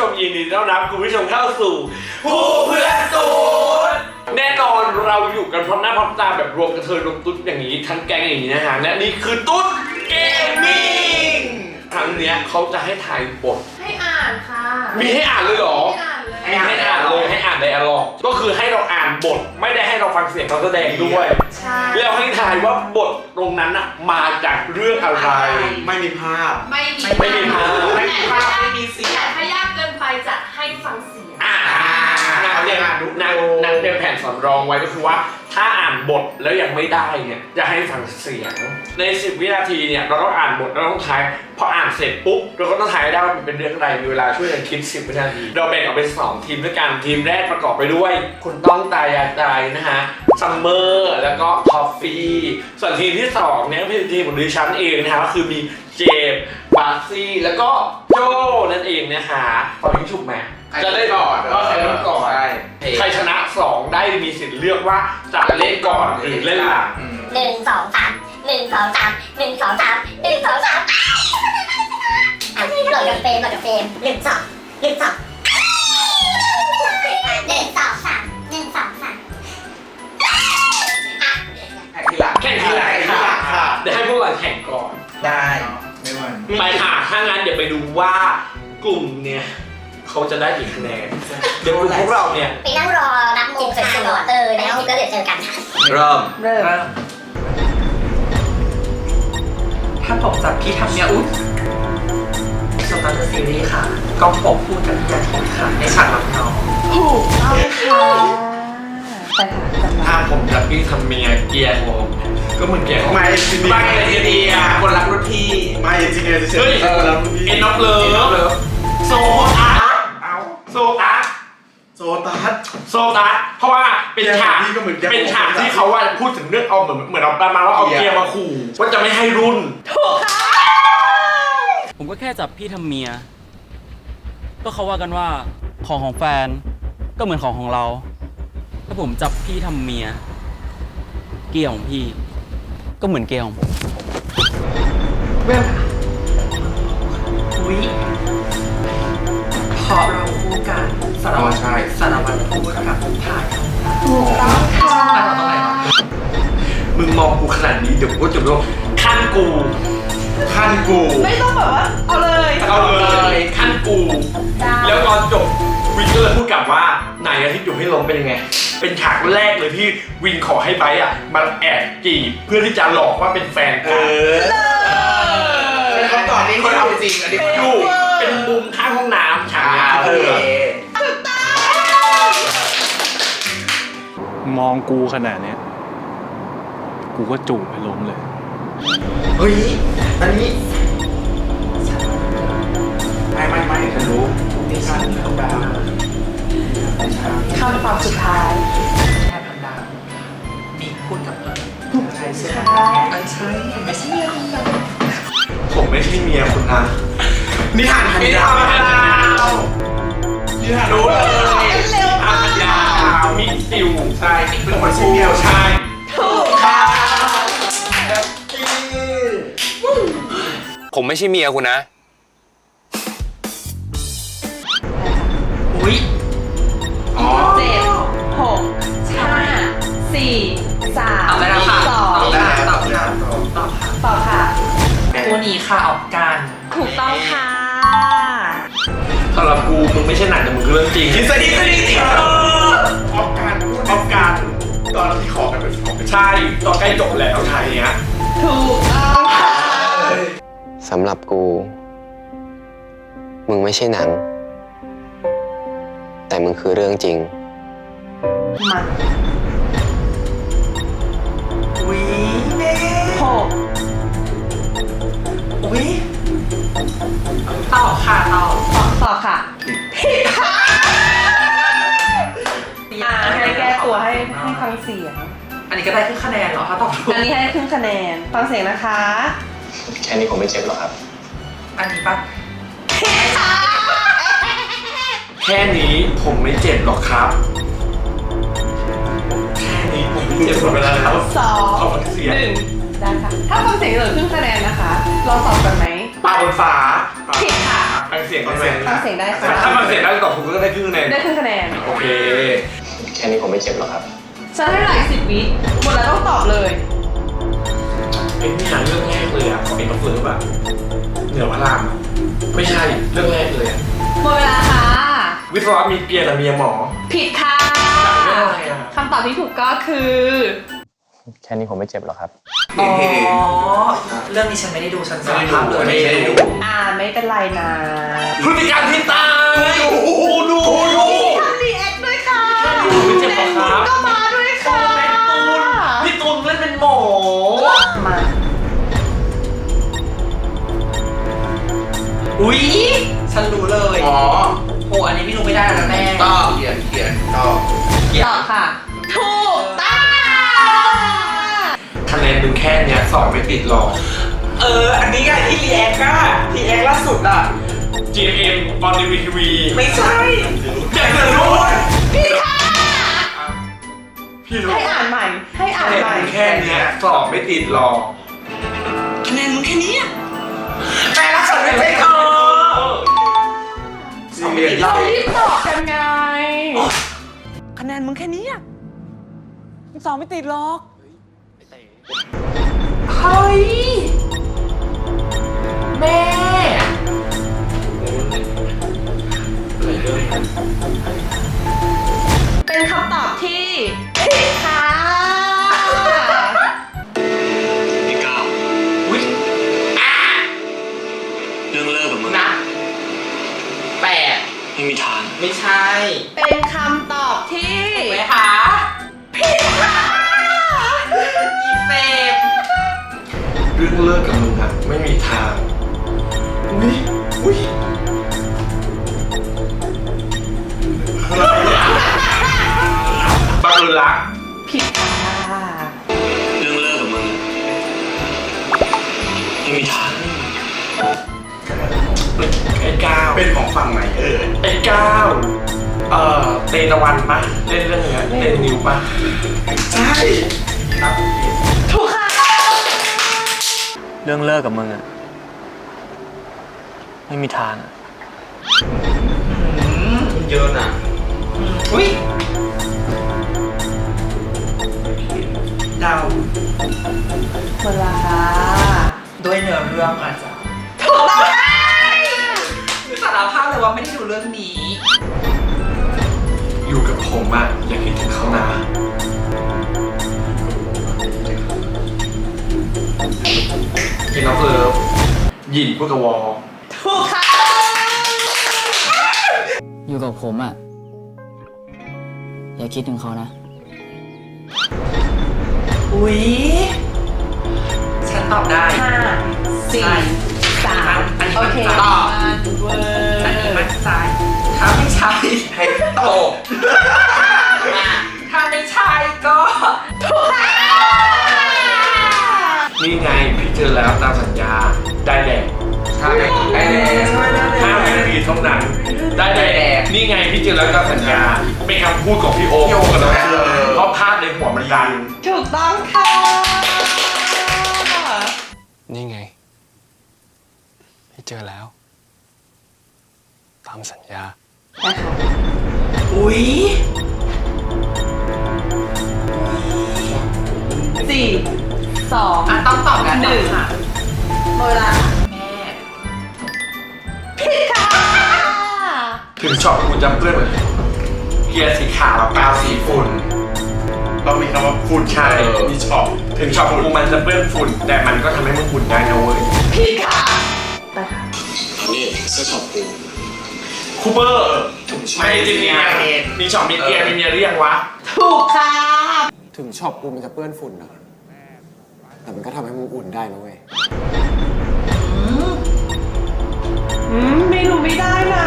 มยินดีต้อนรับคุณผู้ชมเข้าสู่ผู้เพื่อนตูดแน่นอนเราอยู่กันพร้อมหน้าพร้อมตาแบบรวมกระเทยรวมตุ๊ดอย่างนี้ทั้งแก๊งอย่างนี้นะฮะและนี่คือตุ๊ดเกมมิ่งครั้งเนี้ยเขาจะให้ถ่ายบทให้อ่านค่ะมีให้อ่านเลยเหรอมีให้อ่านเลยให้อ่านไดอะล็อกก็คือให้เราอ่านบทไม่ได้ให้เราฟังเสียงเขาแสดงด้วยใช่แล้วให้ทายว่าบทตรงนั้นอะมาจากเรื่องอะไรไม่มีภาพไม่มีภาพไม่มีเสียงแต่ถ้ายากเกินไปจะให้ฟังเสียงนักเตรียมแผ่นสำรองไว้ก็คือว่าถ้าอ่านบทแล้วยังไม่ได้เนี่ยจะให้ฟังเสียงใน10 วินาทีเนี่ยเราต้องอ่านบทเราต้องทายพออ่านเสร็จปุ๊บเราก็ต้องทายได้ว่ามันเป็นเรื่องอะไรมีเวลาช่วยกันคิด10 วินาทีเราแบ่งออกเป็น2 ทีมด้วยกันทีมแรกประกอบไปด้วยคุณต้องตายายตายนะฮะซัมเมอร์แล้วก็ทอฟฟี่ส่วนทีมที่2เนี่ยเป็นทีมของดิฉันเองนะฮะก็คือมีเจมส์บาซี่แล้วก็โจนั่นเองนะฮะตอนนี้ถูกไหมจะได้ก่อนว่าใครเริ่มก่อนใครชนะ2ได้มีสิทธิ์เลือกว่าจะเล่นก่อนหรือเล่นหลัง 1 2 3 1 2 3 1 2 3 1 2 3โหลดกับเฟรม1 2 1 2 1 2 1 2 3 1 2 3 แข่งทีหลังค่ะเดี๋ยวให้พวกเราแข่งก่อนได้ไม่วันไปค่ะถ้างั้นเดี๋ยวไปดูว่ากลุ่มเนี่ยเขาจะได้กี่คะแนนเดี๋ยวพวกเราเนี่ยไปนั่งรอรับโมงสวยๆแล้วก็เดี๋ยวเจอกันค่ะเริ่มถ้าผมจับพี่ทำเนี่ยอุ๊ยสตาร์ทซีรีส์ค่ะก็ผมพูดกับพี่อาทิตย์ค่ะในฉากรับน้องถูกต้องค่ะไปค่ะถ้าผมกับพี่ทำเมียเกียร์ผมก็เหมือนเกียร์ของไม่จริงไม่เลยดีอ่ะคนรักรุ่นพี่ไม่จริงเลยเฮ้ยคนรักรุ่นพี่เอ็นน็อกเลยโซตัสโซตัสเพราะว่าเป็นฉากที่เขาว่าพูดถึงเรื่องเอาเหมือนเราประมาณว่าเอาเกียร์มาขู่ว่าจะไม่ให้รุ่นถูกค่ะผมก็แค่จับพี่ทำเมียก็เขาว่ากันว่าของแฟนก็เหมือนของเราถ้าผมจับพี่ทำเมียเกียร์ของพี่ก็เหมือนเกียร์ของผมเวลอุ๊ยพอเราคู่กันสารวัตรคู่กับถ่ายถูกต้องค่ะถ่ายตรงไหนวะมึงมองกูขนาดนี้เดี๋ยวกูจะรู้ขั้นกูไม่ต้องแบบว่าเอาเลยขั้นกูแล้วตอนจบวินก็เลยพูดกลับว่าไหนอาทิตย์อยู่ให้ลงเป็นยังไงเป็นฉากแรกเลยที่วินขอให้ไบร์ทมาแอบจีบเพื่อที่จะหลอกว่าเป็นแฟนกันเขาตอบนี้เขาเอาจริงอันนี้เขาอยู่เป็นมุมข้างห้องน้ำฉากนี้มองกูขนาดนี้กูก็จูบไปล้มเลยเฮ้ยอันนี้ไม่ฉันรู้นี่ฉันต้องดาวคำตอบสุดท้ายแค่พันดาวมีพูดกับใช่ใช่ไม่ใช่เมียคุณนะผมไม่ใช่เมียคุณนะนิทานพันดาวรู้เลยพันดาวมิซิวใช่เป็นคนชื่อเมียวใช่ถูกค่ะผมไม่ใช่เมียคุณนะอุ๊ย 7 6 5 4 3 2ตอบค่ะตัวนี้ค่ะออกกันถูกต้องค่ะสำหรับกูมึงไม่ใช่หนังแต่มึงคือเรื่องจริงทฤษฎีจริงออกการตอนที่ขอกันเป็นใช่ตอนใกล้จบแล้วไทยเนี้ยถูกต้องค่ะสำหรับกูมึงไม่ใช่หนังแต่มึงคือเรื่องจริงมาอุ๊ยเน่ 6 อุ๊ยตอบค่ะตอบค่ะผิดค่ะให้แก้ตัวให้ฟังเสียงอันนี้ก็ได้ครึ่งคะแนนเหรอถ้าตอบถูกอันนี้ให้ครึ่งคะแนนฟังเสียงนะคะแค่นี้ผมไม่เจ็บหรอกครับอันนี้ปะแค่นี้ผมไม่เจ็บหรอกครับแค่นี้ผมไม่เจ็บหรอกครับ 2 ขอฟังเสียง 1ได้ค่ะถ้าฟังเสียงเหลือครึ่งคะแนนนะคะลองตอบกันไหมปลาบนฟ้าผิดค่ะฟังเสียงได้ไหมฟังเสียงได้ค่ะถ้าฟังเสียงได้ตอบถูกก็ได้ครึ่งคะแนนได้ครึ่งคะแนนโอเคแค่นี้ผมไม่เจ็บหรอกครับฉันให้หลาย10 วิหมดแล้วต้องตอบเลยเป็นที่หาเรื่องแรกเลยอ่ะของเอกเฟิร์สแบบเหนือพระรามอะไม่ใช่เรื่องแรกเลยอะหมดเวลาค่ะวิศวะมีเปียแต่เมียหมอผิดค่ะเรื่องอะไรอะคำตอบที่ถูกก็คือแค่นี้ผมไม่เจ็บหรอกครับอ๋อ เรื่องนี้ฉันไม่ได้ดูฉันสารภาพเลยไม่ได้ดูไม่เป็นไรนะพฤติการที่ตายดูทำรีแอคด้วยค่ะไม่เจ็บหรอกครับก็มาด้วยค่ะพี่ตูนเล่นเป็นหมอมาอุ๊ย ฉันรู้เลยอ๋อโอ้อันนี้พี่รู้ไม่ได้แล้วแม่ก็เขียนก็ตอบค่ะ ถูกต้องคะแนนมึงแค่เนี้ยสอบไม่ติดหรอกอันนี้ไงที่รีแอคอะรีแอคล่าสุดอะ GMM ออนทีวีไม่ใช่แจ็คเลยรู้พี่ค่ะพี่รู้ให้อ่านใหม่ ให้อ่านคะแนนใหม่มึงแค่เนี้ยสอบไม่ติดหรอกคะแนนมึงแค่นี้อะแต่ละฉันไม่ใช่เธอเรารีบตอบกันไงคะแนนมึงแค่นี้อะสอบไม่ติดหรอกเฮ้ย แม่ เป็นคำตอบที่ผิดค่ะพี่ก้าวอุ๊ยเรื่องเลิกกับมึงนะแปดไม่มีทางไม่ใช่เป็นคำตอบที่ไหมคะผิดค่ะอีเฟมเรื่องเลิกกับมึงอะไม่มีทางอุ้ยบังเอิญรักผิดค่ะเรื่องเลิกกับมึงไม่มีทางไอ้ก้าวเป็นของฝั่งไหนไอ้ก้าวเตตะวันปะเล่นเรื่องเนี้ยเล่นนิวปะใช่ครับถูกค่ะเรื่องเลิกกับมึงอะไม่มีทางอะเยอะนะอุ้ยเดาหมดเวลาค่ะด้วยเนื้อเรื่องอาจจะถูกต้องค่ะสารภาพเลยว่าไม่ได้ดูเรื่องนี้อยู่กับผมอะอย่าคิดถึงเขานะกินน้ำเลิฟหยินพูดกับวอถูกค่ะอยู่กับผมอ่ะ อย่าคิดถึงเขานะอุ๊ยฉันตอบได้ 5 4 3 โอเคตอบเวอร์อันนี้มั่นใจถ้าไม่ใช่ให้ตกถ้าไม่ใช่ก็ถูกค่ะนี่ไงพี่เจอแล้วตามสัญญาได้แดงใช่ได้ 5 นาทีเท่านั้นได้แดงนี่ไงพี่เจอแล้วตามสัญญาเป็นคำพูดของพี่โอ๊คกับน้องเชื่อเพราะภาพในหัวมันดันถูกต้องค่ะนี่ไง พี่เจอแล้ว ตามสัญญานะคะอุ๊ย 4 2 ต้องตอบกัน 1 ค่ะหมดเวลาแม่ผิดค่ะถึงช็อตกูจะเปื้อนเกียร์สีขาวกาวสีฝุ่นต้องมีคำว่าฝุ่นใช่มีช็อปถึงช็อตกูมันจะเปื้อนฝุ่น แต่มันก็ทำให้มึงฝุ่นได้นะเว้ยผิดค่ะ ไปค่ะนี่เสื้อช็อปกูคูเปอร์ไม่จริงเนี่ยมีช็อตมีเกียร์มีเมียหรือยังวะถูกค่ะถึงช็อปกูมันจะเปื้อนฝุ่นนะแต่มันก็ทำให้มึงอุ่นได้นะเว้ยไม่รู้ไม่ได้นะ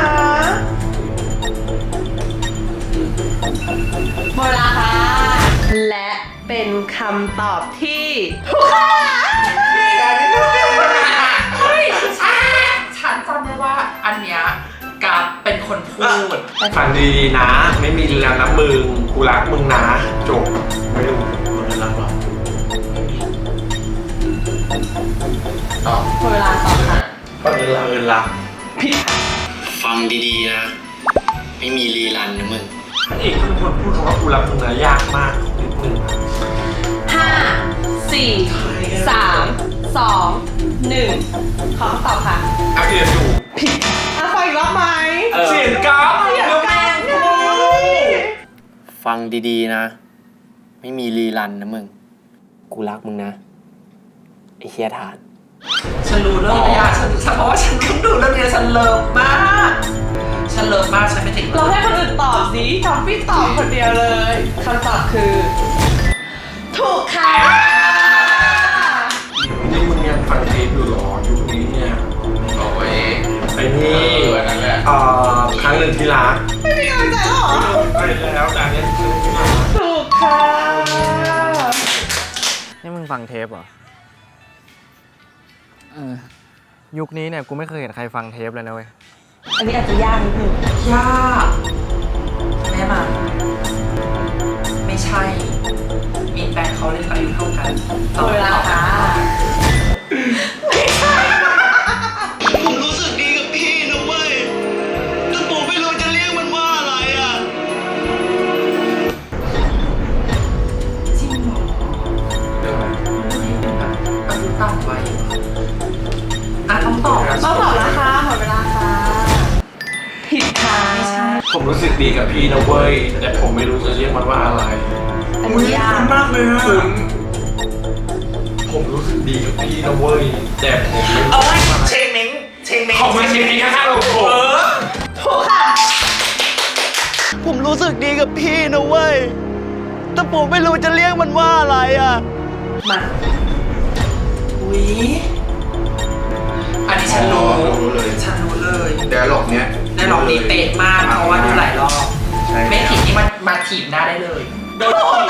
หมดเวลาค่ะ และเป็นคำตอบที่ถูกค่ะเฮ้ยฉันจำได้ว่าอันเนี้ยกับเป็นคนพูดฟังดีๆนะ ไม่มีแล้วนะมึง กูรักมึงนะ จบ ไม่รู้มึงรักหรอหมดเวลาตอบค่ะฟังเอิญรักผิดค่ะฟังดีๆนะ ไม่มีรีรันนะมึงพระเอกเป็นคนพูดคำว่ากูรักมึงนะยากมากนิดนึง 5 4 3 2 1 ขอตอบค่ะอาเรียนอยู่ฟังอีกรอบไหมเสียงกราฟเสียงกราฟฟังดีๆนะ ไม่มีรีรันนะมึง กูรักมึงนะ ไอ้เฮียฐานฉันรู้เรื่องระยะฉันเพราะว่าฉันเพิ่งดูเรื่องนี้ฉันเลิฟมากฉันไม่ติดเราให้คนอื่นตอบสิทอมฟี่ตอบคนเดียวเลยคำตอบคือ ถูกค่ะนี่มึงยังฟังเทปอยู่หรอยุคนี้เนี่ยเอาไว้ไอ้นี่นั่นแหละครั้งหนึ่งที่รักไม่มีกำลังใจแล้วเหรอไปแล้วแต่เนี้ยครั้งหนึ่งที่รักถูกค่ะนี่มึงฟังเทปเหรอ ยุคนี้เนี่ยกูไม่เคยเห็นใครฟังเทปเลยนะเว้ยอันนี้อาจจะยากนิดนึงยากแม่มันไม่ใช่มีแฟนเขาเล่นอายุเท่ากันหมดเวลาค่ะผมรู้สึกดีกับพี่นะเว้ย แต่ผมไม่รู้จะเรียกมันว่าอะไรอ่ะจริงเหรออายุต่ำไว้ต้องตอบแล้วต้องตอบแล้วค่ะหมดเวลาค่ะ ผิดค่ะผมรู้สึกดีกับพี่นะเว้ยแต่ผมไม่รู้จะเรียกมันว่าอะไรอันนี้ยากมากเลยอะคุณผมรู้สึกดีกับพี่นะเว้ยแต่ผมไม่รู้ว่าอะไรเชงเม้งเขาไม่ใช่พี่ข้างๆเราผมถูกค่ะผมรู้สึกดีกับพี่นะเว้ย แต่ผมไม่รู้จะเรียกมันว่าอะไรอ่ะมาอุ๊ยอันนี้ฉันรู้ฉันรู้เลยเดี๋ยวหลบเนี้ยได้ลองนี้เป๊ะมากเพราะว่าดูหลายรอบใช่ไม่ผิดนี่มันมาถีบหน้าได้เลยโดนถีบ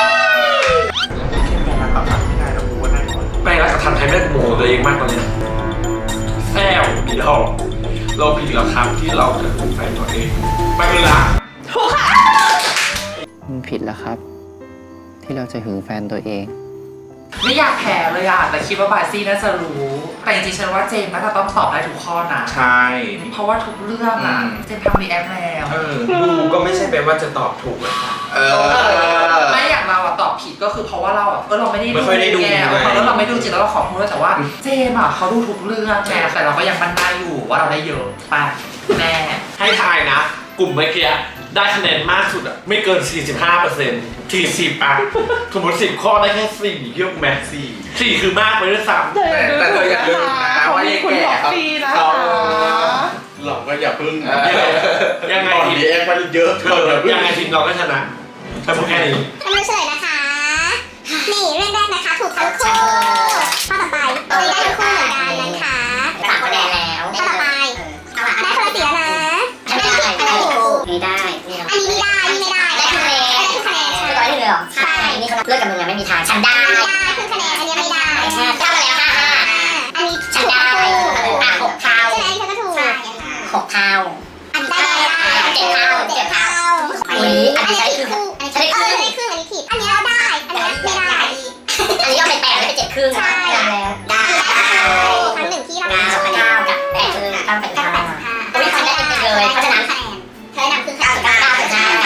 แค่แปลงรักกับทันไม่ได้แล้วกูว่าได้ก่อนแปลงรักกับทันไทยแม่งโมโหตัวเองมากตอนเนี้ยแซวผิดแล้วเราผิดแล้วครับที่เราจะถูกแฟนตัวเองไม่เป็นไรถูกค่ะมึงผิดแล้วครับ ที่เราจะหึงแฟนตัวเองไม่อยากแพ้เลยอะแต่คิดว่าบาซี่น่าจะรู้ แต่จริงๆฉันว่าเจมส์น่าจะต้องตอบได้ทุกข้อนะใช่เพราะว่าทุกเรื่องอะเจมส์ทำรีแอคแล้วดูก็ไม่ใช่แปลว่าจะตอบถูกเลยไม่อย่างเราอะตอบผิดก็คือเพราะว่าเราอะเราไม่ได้ไม่ค่อยได้ดูแกเลยแล้วเราไม่ดูจริงแล้วเราขอโทษด้วยแต่ว่าเจมส์อะเขาดูทุกเรื่องไงแต่เราก็ยังมั่นใจอยู่ว่าเราได้เยอะไปแม่ให้ทายนะ กลุ่มเมื่อกี้ได้คะแนนมากสุดอะไม่เกิน 45% 40อะสมมติ10 ข้อได้แค่4เยอะไหม4คือมากไปด้วยซ้ำแต่เธออย่าลืมนะว่าไอ้แก่เขาหลอกก็อย่าพึ่งยังไงตอนทีมนี้แอคมันเยอะเกินอย่าพึ่งยังไงทีมเราก็ชนะแต่พวกแค่นี้ทำไมเฉลยนะคะ นี่เรื่องแรกนะคะ ถูกทั้งคู่ข้อต่อไปตัวนี้ได้ทั้งคู่เหมือนกันนะคะ3 คะแนนแล้วข้อต่อไปได้คนละ4แล้วนะอันนี้ผิดอันนี้ถูกไม่ได้อันนี้ไม่ได้นี่ไม่ได้ได้คะแนนได้ทุกคะแนนคือร้อยหนึ่งเลยเหรอใช่นี่เขาเลิกกับมึงยังไม่มีทาง ฉันได้อันนี้ได้ครึ่งคะแนนอันนี้ไม่ได้เข้ามาแล้วค่ะอันนี้ฉันถูกได้ทั้งคู่อ่ะ6 เท่าใช่ไหมเธอก็ถูก 6 เท่าอันนี้ได้7 เท่าอันนี้ใช้คืออันนี้ได้ครึ่งอันนี้ผิดอันนี้เราได้อันนี้ไม่ได้อันนี้ก็เป็น8แล้วเป็น7 ครึ่งใช่ได้ครั้งหนึ่งที่เรา 9 กับ8 ครึ่งต้องเป็น9อุ้ยฉันได้จริงๆเลยเพราะฉะนั้นเธอได้นำครึ่งคะแนน 9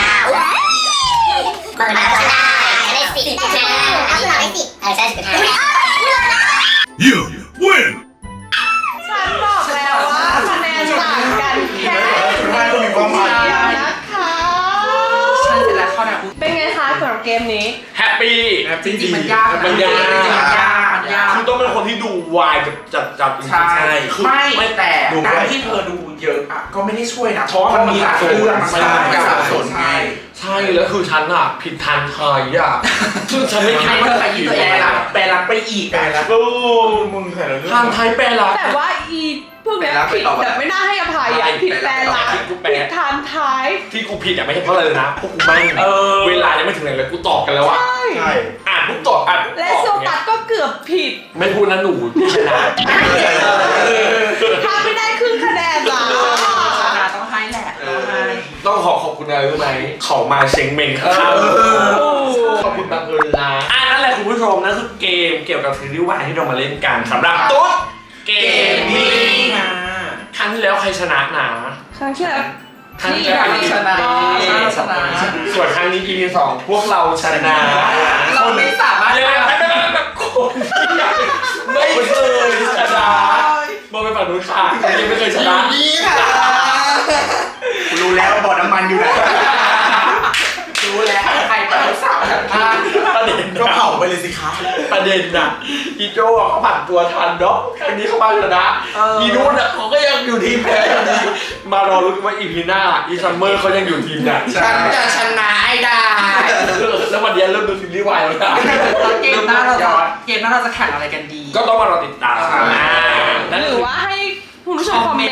เปิดมาแล้วฉันได้10 ได้ 5 ก็คือเราได้10 ใช่10 5 You win! ฉันบอกแล้วว่าคะแนนต่างกันแค่ไม่ต้องมีความหมายเดียวนะคะฉันเสร็จแล้วข้อไหนเป็นไงคะสำหรับเกมนี้แฮปปี้จริงๆมันยากมันยากจริงๆมันยากมันยากคือต้องเป็นคนที่ดูวายจัดจริงๆใช่คือไม่แต่ดูการที่เธอดูเยอะอะก็ไม่ได้ช่วยนะเพราะว่ามันมีหลายเรื่องใช่มันสับสนใช่ใช่แล้วคือฉันอะผิดทันทายอะซึ่งฉันไม่คิดว่าเธอจะไปผิยี่ดตัวเองนะแปลรักไปอีกแปลรักโอ้มึงแต่ละเรื่องทางไทยแปลรักแต่ว่าอีพวกเนี้ยผิดแบบไม่น่าให้อภัยอ่ะผิดแปลรักผิดทานท้ายที่กูผิดอะไม่ใช่เพราะอะไรเลยนะพวกกูไม่เวลายังไม่ถึงไหนเลยกูตอบกันแล้วอะใช่อ่านปุ๊บตอบอ่านปุ๊บและตอบโซเนี่ตัยสก็เกือบผิดไม่พูดนะหนูที่ชนะถ้าไม่ได้ครึ่งคะแนนล่ะต้องให้แหละต้องให้ต้องขอบคุณอะไรรู้ไหมเขามาเช็งเมงข้าวขอบคุณบังเอิญนะนั่นแหละคุณผู้ชมนั่นคือเกมเกี่ยวกับซีรีส์วายที่เรามาเล่นกันสำหรับตุ๊ดเกมมิ่งใครรั้งที่แล้วใครชนะนะครั้งที่แล้วครั้งที่แล้วชนะชนะส่วนครั้งนี้ EP 2พวกเราชนะเราไม่สามารถยังไงคนไม่เคยชนะมองไปฝั่งนู้นค่ะยังไม่เคยชนะนี่ค่ะรู้แล้วบ่อน้ำมันอยู่ไหนรู้แล้วใครเป็นสาวกันบ้างประเด็นก็เผาไปเลยสิคะประเด็นน่ะอีโจ้อะเขาผ่านตัวทันเนาะครั้งนี้เขามาชนะอีนู้นอ่ะเขาก็ยังอยู่ทีมแพ้อยู่ดีมารอรุ้นว่าอีพีหน้าอีซัมเมอร์เขายังอยู่ทีมไหนฉันจะชนะให้ได้แล้ววันนี้เริ่มดูซีรีส์วายแล้วนะเกมหน้าเราจะแข่งอะไรกันดีก็ต้องมารอติดตามนั่นหรือว่าให้คุณผู้ชมคอมเมนต์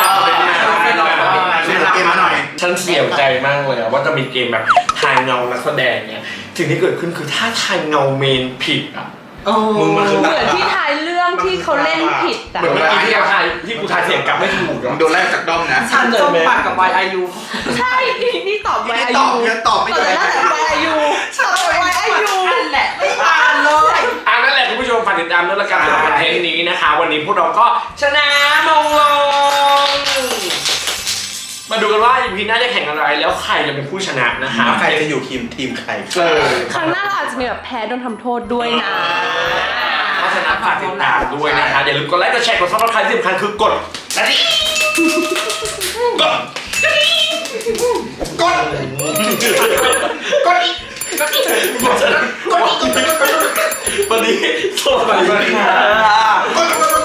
ฉันเสียใจมากเลยว่าจะมีเกมแบบทายเงานักแสดงเนี่ยสิ่งที่เกิดขึ้นคือถ้าทายเงาเมนผิดอ่ะมึงมันคือเหมือนที่ทายเรื่องที่เขาเล่นผิดอ่ะเหมือนเมื่อกี้ที่กูทายเสียงกลับไม่ถูกโดนไล่จากด้อมนะฉันส้มปัดกับ YIU ใช่นี่ตอบไวอาตยุอบตอบไม่ตอบได้ได้แต่ไวอายุตอบไวอายุนั่นแหละไม่ผ่านเลยนั่นแหละคุณผู้ชมฝากติดตามด้วยละกันสำหรับคอนเทนต์นี้นะคะ วันนี้พวกเราก็ชนะมงลงมาดูกันว่าอีพีหน้าจะแข่งอะไรแล้วใครจะเป็นผู้ชนะนะคะใครจะอยู่ทีมใครครั้งหน้าเราอาจจะมีแบบแพ้โดนทำโทษด้วยนะเพราะฉะนั้นฝากติดตามด้วยนะคะอย่าลืมกดไลค์กดแชร์กดซับสไครต์ที่สำคัญคือกดกระดิ่งกดวันนี้สวัสดีค่ะ